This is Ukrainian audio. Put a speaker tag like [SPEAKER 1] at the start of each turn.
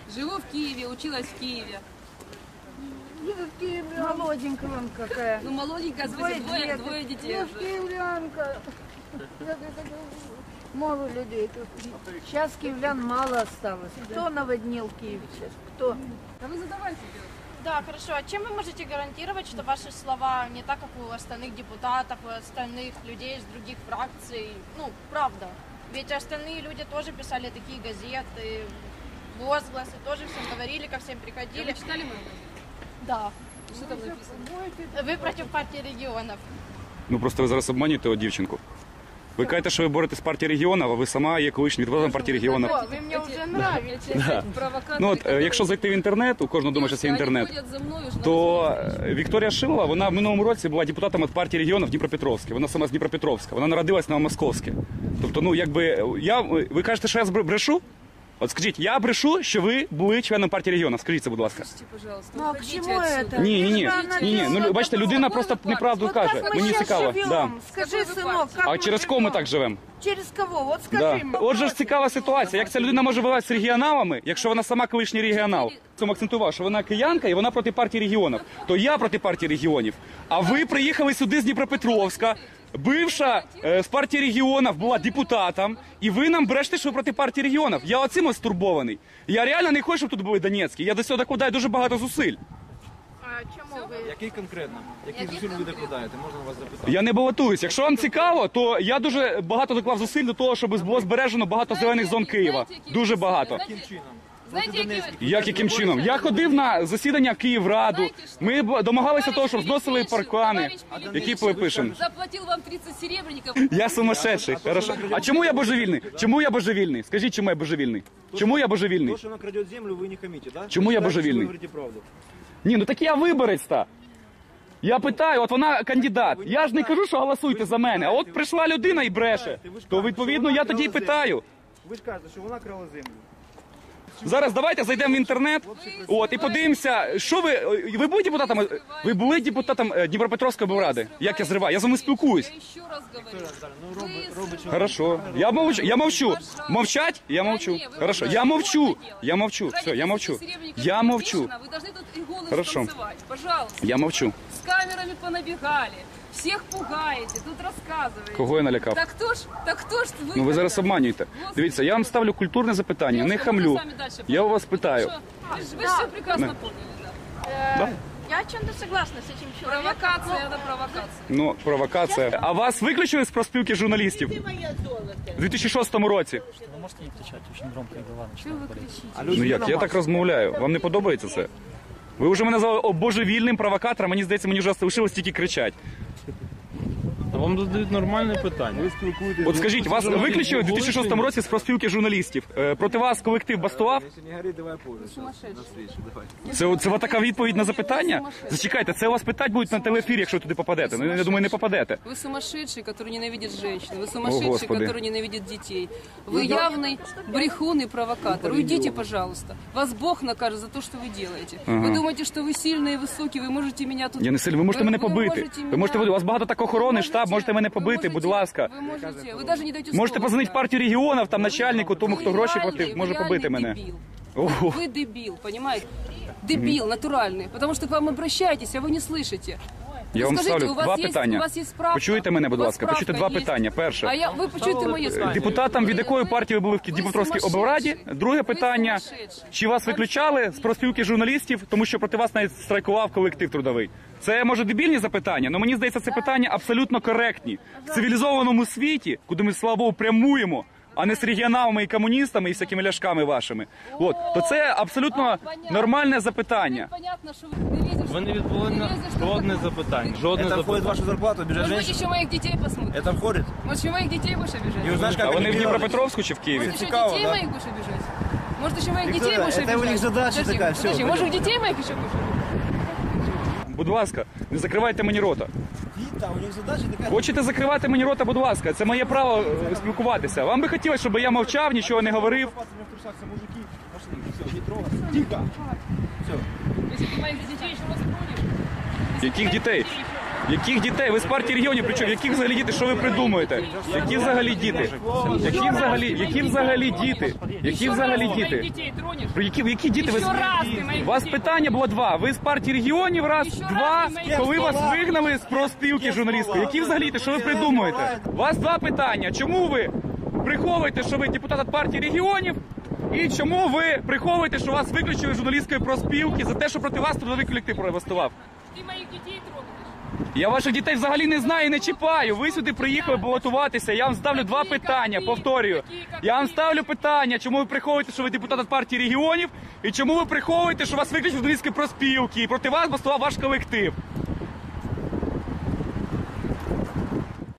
[SPEAKER 1] Живу в Киеве, училась в Киеве.
[SPEAKER 2] В Киеве молоденькая вон какая.
[SPEAKER 1] Ну, молоденькая, двое детей.
[SPEAKER 2] Ну, киевлянка. Мало людей тут. Сейчас киевлян мало осталось. Кто наводнил Киев сейчас? Кто?
[SPEAKER 1] А вы задавайте.
[SPEAKER 3] Да, хорошо. А чем вы можете гарантировать, что ваши слова не так, как у остальных депутатов, у остальных людей из других фракций? Ну, правда. Ведь остальные люди тоже писали такие газеты, возгласы, тоже всем говорили, ко всем приходили.
[SPEAKER 1] Вы читали мою?
[SPEAKER 3] Да.
[SPEAKER 1] Что там написано?
[SPEAKER 3] Ви проти партії регіонів.
[SPEAKER 4] Ну просто ви зараз обманюєте дівчинку. Ви кажете, що ви боретесь з партії регіонів, а ви сама є колишнім депутатом партії регіонів.
[SPEAKER 3] О, ви мені вже нравитесь.
[SPEAKER 4] Ну от, якщо зайти в інтернет, у кожного думає, що це інтернет, то Вікторія Шилова, вона в минулому році була депутатом від партії регіонів Дніпропетровській. Вона сама з Дніпропетровська, вона народилась на Московське. Тобто, ну якби, ви кажете, що я брешу? От скажіть, я брешу, що ви були членом партії регіонів. Скажіть це, будь ласка.
[SPEAKER 2] Ну а к чему это?
[SPEAKER 4] Ні. Ну, бачите, людина просто неправду каже. Мені цікаво. Да.
[SPEAKER 2] Скажи, сынок, как
[SPEAKER 4] А через кого ми так живемо?
[SPEAKER 2] Через кого? Вот скажи
[SPEAKER 4] Да.
[SPEAKER 2] мне.
[SPEAKER 4] Отже ж цікава ситуація. Як ця людина може воювати з регіоналами, якщо вона сама колишній регіонал? Цьому акцентував, що вона киянка і вона проти партії регіонів. То я проти партії регіонів. А ви приїхали сюди з Дніпропетровська. Бивша з партії регіонів була депутатом, і ви нам брешете, що ви проти партії регіонів. Я оцим ось стурбований. Я реально не хочу, щоб тут були Донецькі. Я до цього докладаю дуже багато зусиль.
[SPEAKER 3] А чому ви?
[SPEAKER 5] Який конкретно? Який зусиль ви докладаєте? Можна вас запитати?
[SPEAKER 4] Я не балотуюсь. Якщо вам цікаво, то я дуже багато доклав зусиль до того, щоб було збережено багато зелених зон Києва. Дуже багато.
[SPEAKER 5] Яким чином?
[SPEAKER 1] Знаете, які ви...
[SPEAKER 4] Яким чином? Я ходив на засідання Київраду. Ми домагалися того, щоб зносили паркани. Які пишемо?
[SPEAKER 1] Заплатил вам 30 серебряников.
[SPEAKER 4] Я сумасшедший. Хорошо. А чому я божевільний? Чому я божевільний? Скажіть, чому я божевільний? Чому я божевільний?
[SPEAKER 5] То, що вона краде землю, ви не хамите, да?
[SPEAKER 4] Чому я
[SPEAKER 5] Ви
[SPEAKER 4] божевільний?
[SPEAKER 5] Ви говорите правду.
[SPEAKER 4] Ні, ну так я виборець-то. Я питаю, от вона кандидат. Я ж не кажу, що голосуйте за мене. А от прийшла людина і бреше. То відповідно я тоді й питаю.
[SPEAKER 5] Ви ж кажете, що вона крала землю.
[SPEAKER 4] Зараз давайте зайдемо в інтернет, от, і подивимося, що ви були депутатом, ви були депутатом Дніпропетровської облради? Як я зриваю? Я з вами спілкуюсь.
[SPEAKER 1] Я еще раз говорю.
[SPEAKER 5] Ну, робить, що
[SPEAKER 4] Хорошо. Я мовчу. Мовчать? Я мовчу. Хорошо. Я мовчу. Все, я мовчу. Я мовчу.
[SPEAKER 1] Вы должны тут и голос
[SPEAKER 4] Хорошо.
[SPEAKER 1] танцевать. Пожалуйста.
[SPEAKER 4] Я мовчу.
[SPEAKER 1] С камерами понабегали. Всех пугаете, тут рассказываете.
[SPEAKER 4] Кого я налякав?
[SPEAKER 1] Так кто ж вы?
[SPEAKER 4] Ну ви зараз
[SPEAKER 1] тогда?
[SPEAKER 4] обманюєте. Дивіться, я вам ставлю культурне запитання, не хамлю. Я у вас питаю.
[SPEAKER 1] Вы все прекрасно поняли, да.
[SPEAKER 3] Я о чем-то согласна с этим человеком.
[SPEAKER 1] Провокация, это провокация.
[SPEAKER 4] Ну, провокація. А вас виключили з профспілки журналістів? У 2006 році.
[SPEAKER 6] Вы можете не кричать, очень громко и голова
[SPEAKER 1] Что вы
[SPEAKER 6] начинает болеть.
[SPEAKER 1] кричите?
[SPEAKER 4] Ну як, я так розмовляю. Вам не подобається це? Ви вже мене назвали божевільним провокатором, мені здається, мені вже залишилось тільки кричати.
[SPEAKER 7] Та вам задають нормальне питання. Ви спілкуєтесь.
[SPEAKER 4] От скажіть, вас виключили у 2006 році з профспілки журналістів. Проти вас колектив бастував?
[SPEAKER 5] Якщо не горить, давай позже. На встречу, давай.
[SPEAKER 4] Це така відповідь на запитання? Зачекайте, це вас питати будуть на телеефірі, якщо туди попадете. Ну, я думаю, не попадете.
[SPEAKER 1] Вы сумасшедший, который ненавидит женщин. Вы сумасшедший,
[SPEAKER 4] Господи.
[SPEAKER 1] который ненавидит детей. Вы явный брехун и провокатор. Уйдите, пожалуйста. Вас Бог накажет за то, что вы делаете. Вы думаете, что вы сильный и высокий, вы можете меня тут...
[SPEAKER 4] Я не сильно, ви можете мене побити. Ви можете, у вас багато так охорони, штаб, можете мене побити, будь ласка.
[SPEAKER 1] Вы можете, вы даже не даете
[SPEAKER 4] Можете
[SPEAKER 1] слова
[SPEAKER 4] позвонити в
[SPEAKER 1] сказать.
[SPEAKER 4] партію регіонів, там начальнику, тому, хто гроші платив, може побити мене.
[SPEAKER 1] Дебил.
[SPEAKER 4] Ого.
[SPEAKER 1] Вы дебил, понимаете? Дебил натуральный, потому что к вам обращаетесь, а вы не слышите.
[SPEAKER 4] Я
[SPEAKER 1] Ну,
[SPEAKER 4] вам
[SPEAKER 1] скажите,
[SPEAKER 4] ставлю
[SPEAKER 1] у вас
[SPEAKER 4] два
[SPEAKER 1] есть-
[SPEAKER 4] питання.
[SPEAKER 1] у вас есть справка?
[SPEAKER 4] Почуєте мене, будь
[SPEAKER 1] У вас
[SPEAKER 4] ласка, почуйте
[SPEAKER 1] справка
[SPEAKER 4] два
[SPEAKER 1] есть?
[SPEAKER 4] питання. Перше.
[SPEAKER 1] Ви почуєте моє слово.
[SPEAKER 4] Депутатам від якої партії ви були в Дніпропетровській облраді? Друге питання. Чи вас виключали з профспілки журналістів, тому що проти вас навіть страйкував колектив трудовий? Це, може, дебільні запитання, але мені здається, це питання абсолютно коректні. В цивілізованому світі, куди ми, слава Богу, прямуємо, а не з регіоналами і комуністами і всякими ляшками вашими. От, то це абсолютно нормальне запитання.
[SPEAKER 1] Понятно, що ви не лізеш.
[SPEAKER 7] Ви не відповіли на жодне запитання. Жодне
[SPEAKER 5] Это входит в
[SPEAKER 7] запитання.
[SPEAKER 5] вашу зарплату, обижать
[SPEAKER 1] Может быть,
[SPEAKER 5] женщин?
[SPEAKER 1] еще моих детей посмотрите.
[SPEAKER 5] Это входит?
[SPEAKER 1] Может, еще моих детей будешь обижать?
[SPEAKER 5] Не узнаешь,
[SPEAKER 4] А
[SPEAKER 5] как
[SPEAKER 4] вони в
[SPEAKER 5] это делать?
[SPEAKER 4] Дніпропетровську чи в Києві?
[SPEAKER 1] Может, еще
[SPEAKER 5] Цікаво,
[SPEAKER 1] детей
[SPEAKER 5] да?
[SPEAKER 1] моих будешь обижать? Может, еще моих
[SPEAKER 5] Виктория,
[SPEAKER 1] детей будешь
[SPEAKER 5] это
[SPEAKER 1] обижать?
[SPEAKER 5] у них задача
[SPEAKER 1] Подожди,
[SPEAKER 5] такая, всё,
[SPEAKER 1] подожди, может,
[SPEAKER 5] пойдем.
[SPEAKER 1] детей моих еще будешь обижать?
[SPEAKER 4] Будь ласка, не закривайте мені рота.
[SPEAKER 5] Вита, у них задача такая.
[SPEAKER 4] Хочете закривати мені рота, будь ласка, це моє право спілкуватися. Вам би хотілося, щоб я мовчав, нічого не говорив.
[SPEAKER 5] В трусах все мужики. Пошли, все, не трогай. Тихо. Все.
[SPEAKER 1] Если ты моих детей еще раз тронешь...
[SPEAKER 4] Яких дітей? Яких дітей? Ви з партії регіонів, причому? Яких взагалі діти? Що ви придумуєте? Які взагалі діти? Які взагалі діти? Які взагалі діти?
[SPEAKER 1] Детей тронешь?
[SPEAKER 4] Які діти? Ви...
[SPEAKER 1] Ще раз ти моїх
[SPEAKER 4] У вас
[SPEAKER 1] дітей.
[SPEAKER 4] питання було два. Ви з партії регіонів, раз,
[SPEAKER 1] Ще
[SPEAKER 4] два,
[SPEAKER 1] раз ти моїх
[SPEAKER 4] коли
[SPEAKER 1] дітей.
[SPEAKER 4] вас вигнали з профспілки журналістської. Які взагалі діти? Що ви придумуєте? У вас два питання. Чому ви приховуєте, що ви депутат від партії регіонів? І чому ви приховуєте, що вас виключили з журналістської профспілки за те, що проти вас трудовий колектив протестував?
[SPEAKER 1] Ти моїх дітей трогаєш.
[SPEAKER 4] Я ваших дітей взагалі не знаю і не чіпаю. Ви сюди приїхали балотуватися. Я вам ставлю два питання, повторюю. Я вам ставлю питання, чому ви приховуєте, що ви депутат від партії регіонів, і чому ви приховуєте, що вас виключили з журналістської профспілки, і проти вас бастував ваш колектив.